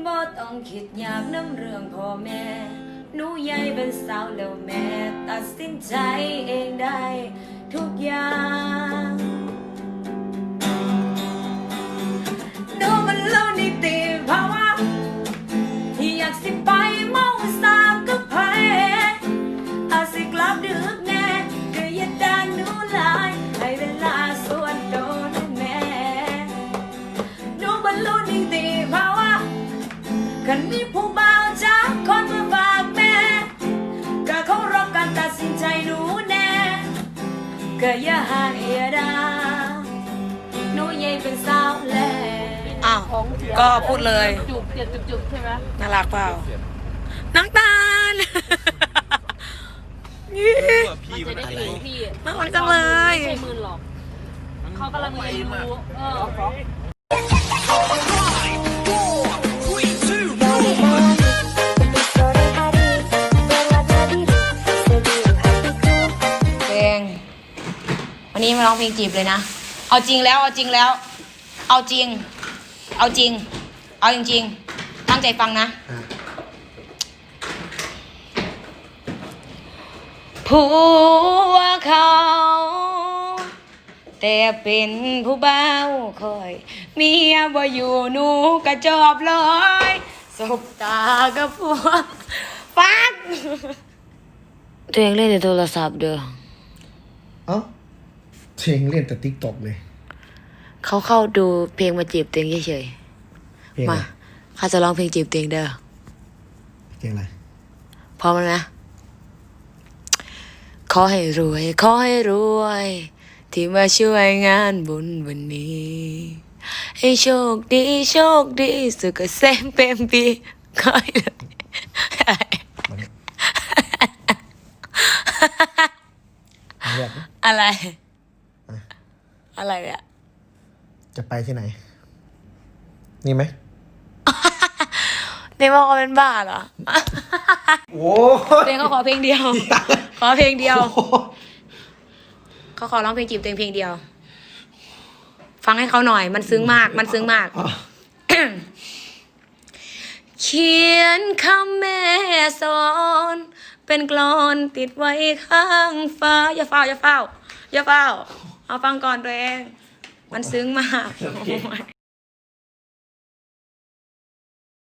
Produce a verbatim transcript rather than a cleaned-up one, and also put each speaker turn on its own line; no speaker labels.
บ่ต้องคิดอยากน้ำเรื่องพ่อแม่หนูใหญ่เป็นสาวแล้วแม่ตัดสินใจเองได้ทุกอย่างหนูมันเล่านิติภาวะอยากสิไปเมาสามกับไผอาสิกลับดึกแน่ก็อย่าด่าหนูหลายให้เวลาส่วนตัวหนูแม่หนูมันเล่านิติภาวะคันมีผู้บ่าวจากคนมาฝากแม่ก็เคารพการตัดสินใจหนูแน่ก็อย่าหาอย่าด่าหนูใหญ่เป็นสาวแล้ว
อ้าวก็พูดเลย
จุบเสียบจุบๆใช่ไหม
น่ารักเปล่าน้ำตาล
มันจะได้ดูพี่
น่ารักจังเลย
ไม่ใช่หมื่นหรอกเขากำลังเรียนรู้เออ
เพลงวันนี้มาร้องเพลงจีบเลยนะเอาจริงแล้วเอาจริงแล้ว เอาจริง เอาจริง เอาจริงๆตั้งใจฟังนะผัวเขาแต่เป็นผู้บ่าวคอยเมียบ่อยู่หนูกระจอบเลยสบตากับผัวฟักตัวเองเล่นในโทรศัพท์เด้อ
เอ้าเพลงเล่นแต่ติ๊กตอกเลย
เขาเข้าดูเพลงมาจีบตัวเองเฉย
เพลง
ๆ
อะไร
มาเขาจะร้องเพลงจีบตัวเองเด้อ
เพลงอะไร
พร้อมแล้วนะ ขอให้รวย ขอให้รวย ที่มาช่วยงานบุญวันนี้ ให้โชคดีโชคดีสุขเกษมเป็นปีขอให้รวย
มาเนี่ยเอาเรียกนะ
อะไร อะไรอะ
จะไปที่ไหน นี่ไหม
เนมเขาเป็นบ้าเหรอ
โอ้
เพลงเขาขอเพลงเดียว ขอเพลงเดียว เขาขอร้องเพลงจีบตัวเองเพลงเดียว ฟังให้เขาหน่อย มันซึ้งมาก มันซึ้งมาก เขียนคำแม่สอน เป็นกลอนติดไว้ข้างฟ้า อย่าเฝ้า อย่าเฝ้า อย่าเฝ้า เอาฟังก่อนตัวเอง มันซึ้งมาก